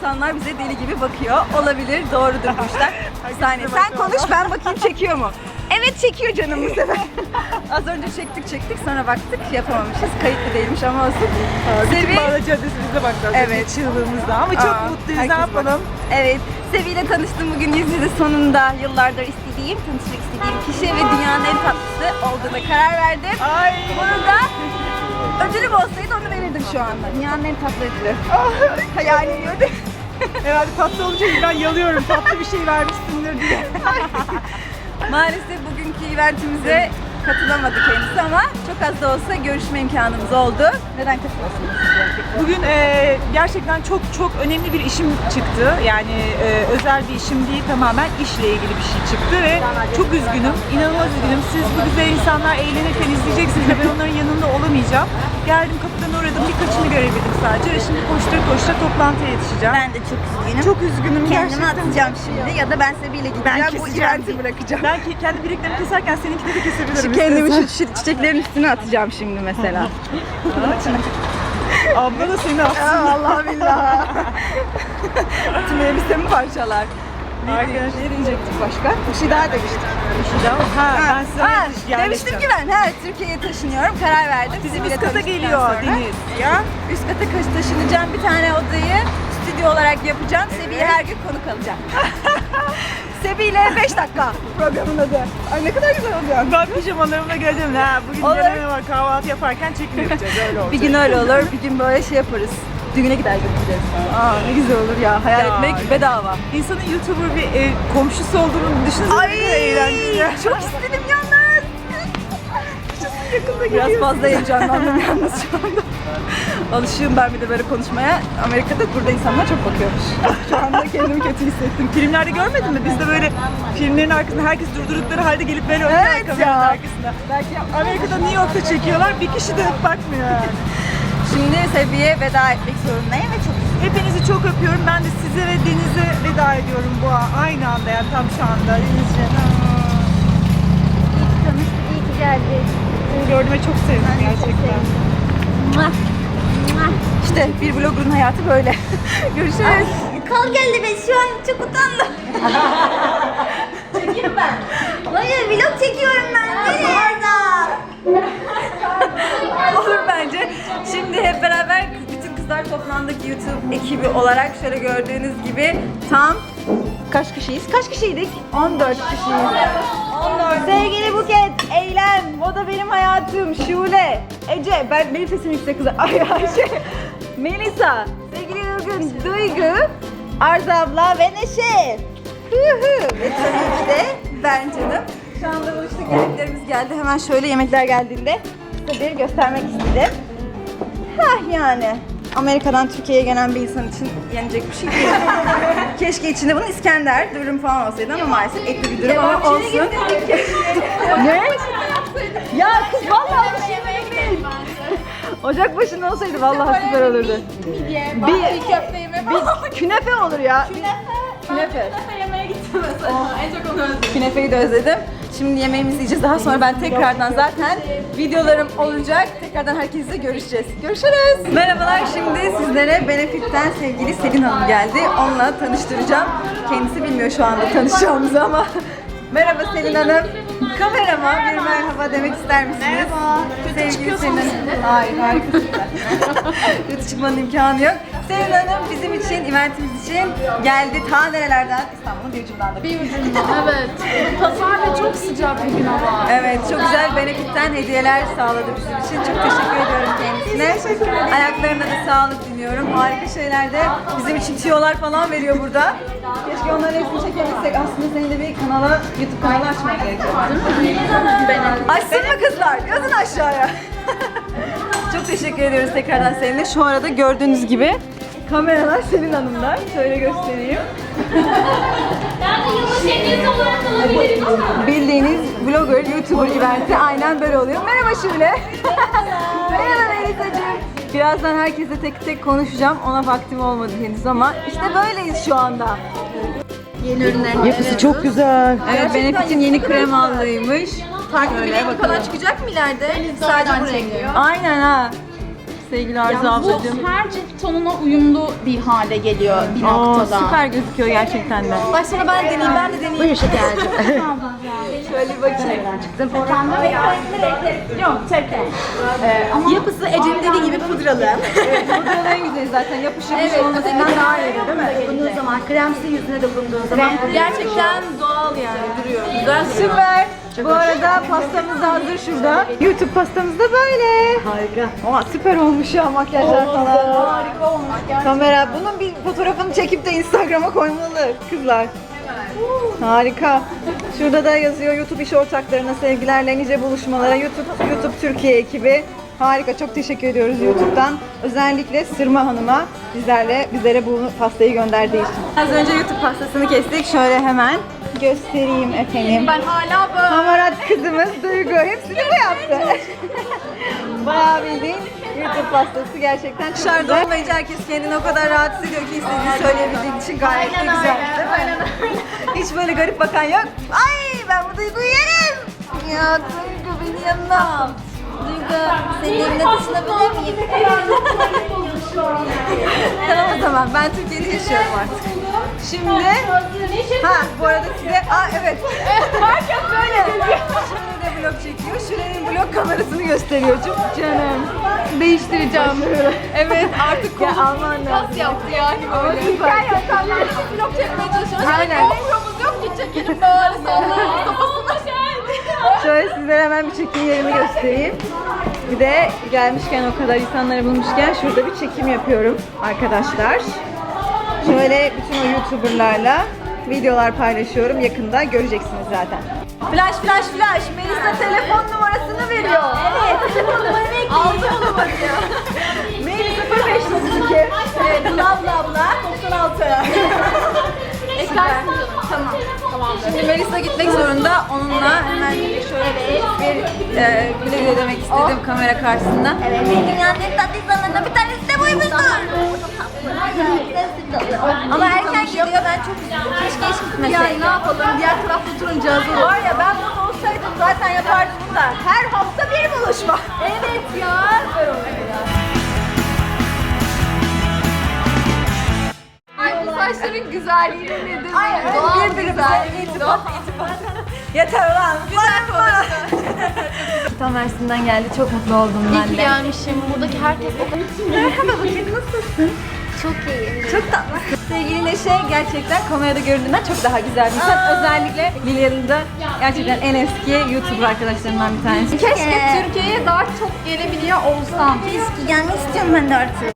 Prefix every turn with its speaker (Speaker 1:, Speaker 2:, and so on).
Speaker 1: insanlar bize deli gibi bakıyor. Olabilir, doğrudur bu işler. Bir saniye, sen konuş, ben bakayım çekiyor mu? Evet çekiyor canım bu sefer. Az önce çektik sonra baktık yapamamışız. Kayıtlı değilmiş ama olsun.
Speaker 2: Bütün Bağla Caddesi'nizde baktık.
Speaker 1: Evet.
Speaker 2: Çığlığımızda ama çok mutluyuz. Ne yapalım?
Speaker 1: Evet. Sevi ile tanıştım bugün yüz yüze sonunda. Yıllardır istediğim, tanışmak istediğim kişi ve dünyanın en tatlısı olduğuna karar verdim.
Speaker 2: Ay.
Speaker 1: Burada ödülüm olsaydı onu verirdim şu anda. Dünyanın en tatlı ödülü. Hayal ediyordum.
Speaker 2: Herhalde tatlı olunca ben yalıyorum. Tatlı bir şey vermişsindir diye.
Speaker 1: Maalesef bugünkü eventimize katılamadı kendisi ama çok az da olsa görüşme imkanımız oldu. Neden katılıyorsunuz?
Speaker 2: Bugün gerçekten çok önemli bir işim çıktı. Yani özel bir işim değil, tamamen işle ilgili bir şey çıktı ve çok üzgünüm, inanılmaz üzgünüm. Siz bu güzel insanlar eğlenirken izleyeceksiniz ve ben onların yanında olamayacağım. Geldim, kapıdan uğradım, birkaçını görebildim sadece ve şimdi koştura toplantıya yetişeceğim.
Speaker 1: Ben de çok üzgünüm.
Speaker 2: Çok üzgünüm
Speaker 1: Kendimi
Speaker 2: gerçekten.
Speaker 1: atacağım şimdi ya da ben Sebi'yle gideceğim. Bu
Speaker 2: keseceğim.
Speaker 1: eventi bırakacağım.
Speaker 2: Ben kendi bileklerimi keserken seninki de kesebilirim.
Speaker 1: Kendimi
Speaker 2: istersen.
Speaker 1: şu çiçeklerin üstüne atacağım şimdi mesela.
Speaker 2: Abla da seni atsın.
Speaker 1: Allah billah. Tüm elbisemi parçalar.
Speaker 2: Arkadaşlar.
Speaker 1: Ne diyecektik başka? Bir şey daha demiştik.
Speaker 2: Ben size
Speaker 1: Demiştim ki ben Türkiye'ye taşınıyorum. Karar verdim.
Speaker 2: Bizim
Speaker 1: Sebi'yle
Speaker 2: üst kata
Speaker 1: tanıştıktan
Speaker 2: geliyor
Speaker 1: sonra.
Speaker 2: Deniz.
Speaker 1: Ya üst kata taşınacağım. Bir tane odayı stüdyo olarak yapacağım. Sebi'ye her gün konuk alacağım. Sebi ile 5 dakika programın adı. Ay ne kadar güzel oluyor.
Speaker 2: Ben pijamalarımla geleceğim. Ha, bugün
Speaker 1: Olur.
Speaker 2: deneme var, kahvaltı yaparken çekim yapacağız. Öyle olacak.
Speaker 1: Bir gün öyle olur, bir gün böyle şey yaparız. Düğüne gider götüreceğiz. Aa ne güzel olur ya. Hayal
Speaker 2: Ya,
Speaker 1: etmek bedava.
Speaker 2: İnsanın YouTuber bir komşusu olduğunu düşünsene.
Speaker 1: Ay
Speaker 2: ne kadar eğlenceli ya.
Speaker 1: çok istedim yalnız.
Speaker 2: Yakında
Speaker 1: Biraz
Speaker 2: geliyorsun.
Speaker 1: fazla heyecanlandım yalnız şu anda. Alışığım ben bir de böyle konuşmaya. Amerika'da burada insanlar çok bakıyormuş. Şu anda kendimi kötü hissettim.
Speaker 2: Filmlerde görmedin mi? Biz de böyle filmlerin arkasında herkes durdurdukları halde gelip böyle oynuyor
Speaker 1: Evet
Speaker 2: kameranın
Speaker 1: ya.
Speaker 2: arkasında. Amerika'da New York'ta çekiyorlar. Bir kişi dönüp bakmıyor yani.
Speaker 1: Şimdi Sebi'ye veda etmek zorundayım ve çok
Speaker 2: Hepinizi çok öpüyorum. Ben de size ve Deniz'e veda ediyorum bu aynı anda yani tam şu anda. Deniz'ciğim.
Speaker 1: iyi ki tanıştık, iyi ki geldik.
Speaker 2: Seni gördüğüme çok sevindim gerçekten.
Speaker 1: İşte bir blogger'ın hayatı böyle. Görüşürüz.
Speaker 3: Kal geldi ben şu an çok utandım. Çekiyorum ben. Hayır vlog çekiyorum ben. Nerede?
Speaker 1: Olur bence. Şimdi hep beraber bütün kızlar toplandık YouTube ekibi olarak. Şöyle gördüğünüz gibi tam kaç kişiyiz? Kaç kişiydik? 14 kişiyiz. 14. Sevgili Buket, Eylem, o da benim hayatım, Şule, Ece, benim sesim yüksek kızlar. Ay Ayşe, Melisa, sevgili Nurgün, Duygu, Arzu abla ve Neşe. Ve tabii ki de ben canım. Şu anda bu işte yemeklerimiz geldi. Hemen şöyle yemekler geldiğinde size bir göstermek istedim. Hah yani. Amerika'dan Türkiye'ye gelen bir insan için yenecek bir şey değil. Keşke içinde bunun İskender, dürüm falan olsaydı ama maalesef etli bir dürüm ama olsun. Ne? Ya kız vallahi bir şey değil. Ocak başında olsaydı vallahi süper olurdu. Bir künefe olur ya. Künefe.
Speaker 3: Yemeye gittim mesela. En çok onu özledim.
Speaker 1: Künefeyi de özledim. Şimdi yemeğimizi yiyeceğiz. Daha sonra ben tekrardan zaten videolarım olacak. Tekrardan herkesle görüşeceğiz. Görüşürüz. Merhabalar. Şimdi sizlere Benefit'ten sevgili Selin Hanım geldi. Onunla tanıştıracağım. Kendisi bilmiyor şu anda tanışacağımızı ama. Merhaba Selin Hanım. Kamerama bir merhaba demek ister misiniz? Merhaba. Kötü çıkıyorsunuz. Hayır, hayır. Kötü çıkmanın imkanı yok. Selin Hanım bizim için, eventimiz için geldi. Ta nerelerden? İstanbul'un bir ucundan da.
Speaker 4: Bir ucundan, evet. Pazar ve çok sıcak bir gün ama.
Speaker 1: Evet, çok güzel Benefit'ten hediyeler sağladı bizim için. Çok teşekkür ediyorum kendisine. Ayaklarına da sağlık diliyorum. Harika şeyler de bizim için tiyolar falan veriyor burada. Keşke onların hepsini çekebilsek. Aslında senin de bir kanala, YouTube kanalı açmak gerekiyor. Açsın mı kızlar? Yazın aşağıya. Çok teşekkür ediyoruz tekrardan seninle. Şu arada gördüğünüz gibi kameralar Selin Hanım'da. Şöyle göstereyim.
Speaker 3: Ben de yılbaşı hediyesi olarak alabilirim ama.
Speaker 1: Bildiğiniz blogger, YouTuber eventi aynen böyle oluyor. Merhaba Şule. Merhaba Melisa'cığım. Birazdan herkesle tek tek konuşacağım. Ona vaktim olmadı henüz ama işte böyleyiz şu anda.
Speaker 4: Yeni ürünler.
Speaker 2: Yapısı çok güzel.
Speaker 1: Evet, Benefit'in yeni krem aldıymış.
Speaker 4: Farklı bir renk
Speaker 1: bakalım.
Speaker 4: falan çıkacak mı ileride? Sadece bu renk.
Speaker 1: Aynen ha. sevgili Arzu
Speaker 4: Bu
Speaker 1: ablacığım.
Speaker 4: her cilt tonuna uyumlu bir hale geliyor bir noktada.
Speaker 1: Süper gözüküyor gerçekten de. Başına ben deneyeyim, ben de deneyeyim. Buyur şekerci. Şöyle bir bakayım.
Speaker 4: Yok tek.
Speaker 1: Yapısı Ece'nin dediği gibi pudralı. Evet, pudralı en güzeli zaten. Yapışır bir şey olmasından daha iyi değil mi?
Speaker 5: Dokunduğun zaman, kremsi yüzüne dokunduğun zaman
Speaker 1: Gerçekten doğal yani duruyor. Güzel süper. Bu arada pastamız da hazır şurada. YouTube pastamız da böyle.
Speaker 5: harika.
Speaker 1: Ama süper olmuş ya makyajlar falan. Harika olmuş gerçekten. Kamera bunun bir fotoğrafını çekip de Instagram'a koymalı kızlar. Harika. Şurada da yazıyor YouTube iş ortaklarına sevgilerle nice buluşmalara YouTube Türkiye ekibi. Harika, çok teşekkür ediyoruz YouTube'dan. Özellikle Sırma Hanım'a bizlere bu pastayı gönderdiği için. Az önce YouTube pastasını kestik. Şöyle hemen göstereyim efendim.
Speaker 4: Ben hala böyle.
Speaker 1: Hamarat kızımız Duygu. Hepsini bu yaptı. Bayağı bildiğin YouTube pastası gerçekten çok güzel. Olmayınca herkes kendini o kadar rahatsız ediyor ki istediğini söyleyebildiği için gayet de güzel. Değil mi? Hiç böyle garip bakan yok. Ay ben bu Duygu'yu yerim. Ya Duygu beni yanına al. Duygu senin eline taşınabilir miyim? Tamam o zaman ben Türkiye'de yaşıyorum artık. Şimdi bu arada size evet. Herkes böyle. Şimdi de vlog çekiyor. Şuranın vlog kamerasını gösteriyor. Çok canım.
Speaker 4: Değiştireceğim. Evet artık
Speaker 1: Ya aman
Speaker 4: kas yaptı yani böyle.
Speaker 1: Süper.
Speaker 4: Vlog çekmeye çalışıyoruz.
Speaker 1: Aynen.
Speaker 4: GoPro'muz yok ki çekelim böyle sallayalım kafasına.
Speaker 1: Şöyle sizlere hemen bir çekim yerimi göstereyim. Bir de gelmişken o kadar insanları bulmuşken şurada bir çekim yapıyorum arkadaşlar. Şöyle bütün o YouTuber'larla videolar paylaşıyorum. Yakında göreceksiniz zaten. Flash. Melisa telefon numarasını veriyor. Evet, telefon numarasını ekleyin. Aldı o numarayı. Melisa 0532. Evet, bla 96. Tamam. Şimdi Melisa gitmek zorunda. Onunla hemen şöyle bir güle güle demek istedim kamera karşısında.
Speaker 5: Evet, dünyanın en tatlı insanlarından bir tanesi de buymuştur.
Speaker 1: Ama erken gidiyor, ben çok üzüldüm. Keşke hiç gitmeseydim.
Speaker 4: Ne yapalım diğer tarafta oturunca hazır
Speaker 1: Var ya ben burada olsaydım zaten yapardım bunu da. Her hafta bir buluşma.
Speaker 4: Evet ya. Ay bu saçların güzelliğini nedir?
Speaker 1: Aynen.
Speaker 4: Doğal
Speaker 1: Birbirimize iltifat. Yeter ulan. Güzel konuş. Tam Mersin'den geldi. Çok mutlu oldum
Speaker 4: İyi
Speaker 1: ben
Speaker 4: ki
Speaker 1: de.
Speaker 4: gelmişim. Buradaki herkes o kadar...
Speaker 1: Merhaba bakayım nasılsın?
Speaker 5: Çok iyi.
Speaker 1: Çok tatlısın. Sevgili Neşe gerçekten kamerada göründüğünden çok daha güzel bir insan. Özellikle Lilian'ın da gerçekten en eski YouTuber arkadaşlarımdan bir tanesi.
Speaker 4: Keşke Türkiye'ye daha çok gelebiliyor olsam.
Speaker 5: Keşke gelmek istiyorum ben de artık.